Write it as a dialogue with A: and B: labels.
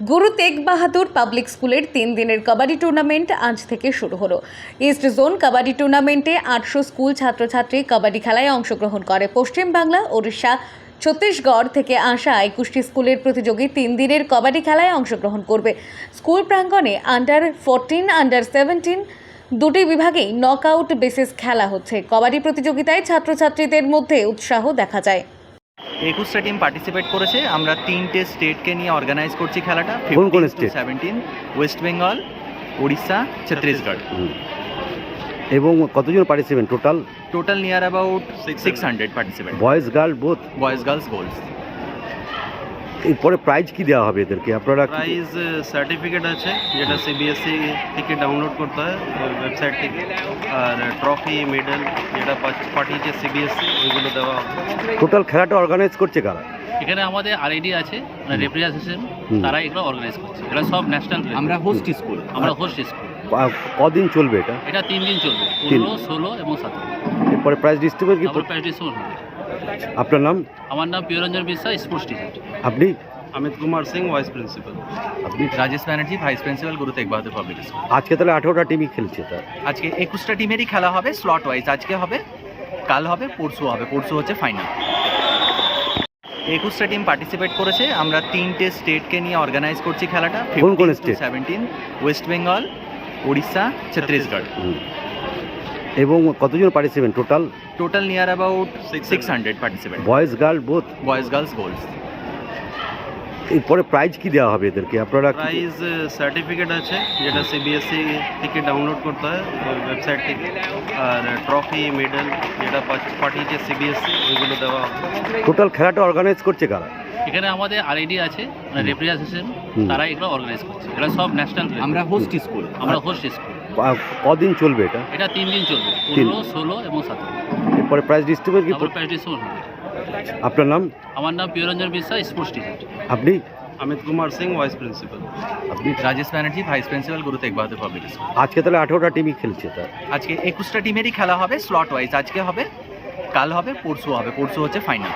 A: গুরু তেগ বাহাদুর পাবলিক স্কুলের 3 দিনের কাবাডি টুর্নামেন্ট আজ থেকে শুরু হলো। ইস্ট জোন কাবাডি টুর্নামেন্টে 800 স্কুল ছাত্রছাত্রী কাবাডি খেলায় অংশগ্রহণ করে। পশ্চিম বাংলা, ওড়িশা, ছত্তিশগড় থেকে আসা 21টি স্কুলের প্রতিযোগী 3 দিনের কাবাডি খেলায় অংশগ্রহণ করবে। স্কুল প্রাঙ্গণে আন্ডার 14, আন্ডার 17 দুটি বিভাগেই নকআউট বেসিস খেলা হচ্ছে। কাবাডি প্রতিযোগিতায় ছাত্রছাত্রীদের মধ্যে উৎসাহ দেখা যায়।
B: 21টা টিম পার্টিসিপেট করেছে। আমরা 3টে স্টেটকে নিয়ে অর্গানাইজ করছি খেলাটা।
C: কোন কোন স্টেট?
B: 17 ওয়েস্ট বেঙ্গল, উড়িষ্যা, ছত্তিশগড়।
C: এবং কতজন participant total?
B: Total near about 600 participant.
C: Boys girl both?
B: Boys girls goals.
C: এরপরে প্রাইজ কি দেওয়া হবে এদেরকে? আপনারা
D: প্রাইজ সার্টিফিকেট আছে, যেটা সিবিএসসি থেকে ডাউনলোড করতে হয় ওয়েবসাইট থেকে, আর ট্রফি, মেডেল যেটা পাঠিয়েছে সিবিএসসি, ওইগুলো দেওয়া হবে।
C: টোটাল খেলাটা অর্গানাইজ করছে কারা?
E: এখানে আমাদের আরআইডি আছে, রিপ্রেজেন্টেশন, তারা এগুলো অর্গানাইজ করছে। এরা সব ন্যাশনাল।
B: আমরা হোস্ট স্কুল।
E: স্কুল।
C: কদিন চলবে এটা?
E: এটা 3 দিন চলবে, 15, 16 এবং 17।
C: এরপরে প্রাইজ ডিস্ট্রিবিউট কি?
E: তারপর প্র্যাকটিস হবে।
C: আপনার নাম?
E: আমার নাম প্রিয়রঞ্জন বিশ্বাস, স্পোর্টস টিচার।
C: আপনি?
D: Amit Kumar Singh, vice principal.
C: আপনি?
B: রাজেশ ব্যানার্জি, ভাইস প্রিন্সিপাল, গুরু তেগ বাহাদুর পাবলিক স্কুল।
C: আজকে তাহলে 18টা টিমই খেলছে। তা
B: আজকে 21টা টিমেরই খেলা হবে স্লট ওয়াইজ। আজকে হবে, কাল হবে, পরশু হবে। পরশু হচ্ছে ফাইনাল। 21টা টিম পার্টিসিপেট করেছে। আমরা 3টে স্টেটকে নিয়ে অর্গানাইজ করছি খেলাটা।
C: কোন কোন স্টেট?
B: 17 ওয়েস্ট বেঙ্গল, উড়িষ্যা, ছত্তিশগড়।
C: এবং কতজন participant total?
B: Total near about 600 participant.
C: Boys girl both?
B: Boys girls goals.
C: এরপরে প্রাইজ কি দেওয়া হবে এদেরকে? আপনারা
D: প্রাইজ সার্টিফিকেট আছে, যেটা সিবিএসসি থেকে ডাউনলোড করতে হয় ওয়েবসাইট থেকে, আর ট্রফি, মেডেল যেটা পাঠিয়েছে সিবিএসসি, ওইগুলো দেওয়া হবে।
C: টোটাল খেলাটা অর্গানাইজ করছে কারা?
E: এখানে আমাদের আরআইডি আছে, রিপ্রেজেন্টেশন, তারা এগুলো অর্গানাইজ করছে। এরা সব ন্যাশনাল।
B: আমরা হোস্ট স্কুল।
E: স্কুল।
C: কদিন চলবে এটা?
E: এটা 3 দিন চলবে, 15, 16 এবং 17।
C: এরপরে প্রাইজ ডিস্ট্রিবিউট কি?
E: তারপর প্র্যাকটিস হবে।
C: আপনার নাম?
E: আমার নাম প্রিয়রঞ্জন বিশ্বাস, স্পোর্টস টিচার।
C: আপনি?
D: Amit Kumar Singh, vice principal.
C: আপনি?
B: রাজেশ ব্যানার্জি, ভাইস প্রিন্সিপাল, গুরু তেগ বাহাদুর পাবলিক স্কুল।
C: আজকে তাহলে 18টা টিমই খেলছে। তা
B: আজকে 21টা টিমেরই খেলা হবে স্লট ওয়াইজ। আজকে হবে, কাল হবে, পরশু হবে। পরশু হচ্ছে ফাইনাল।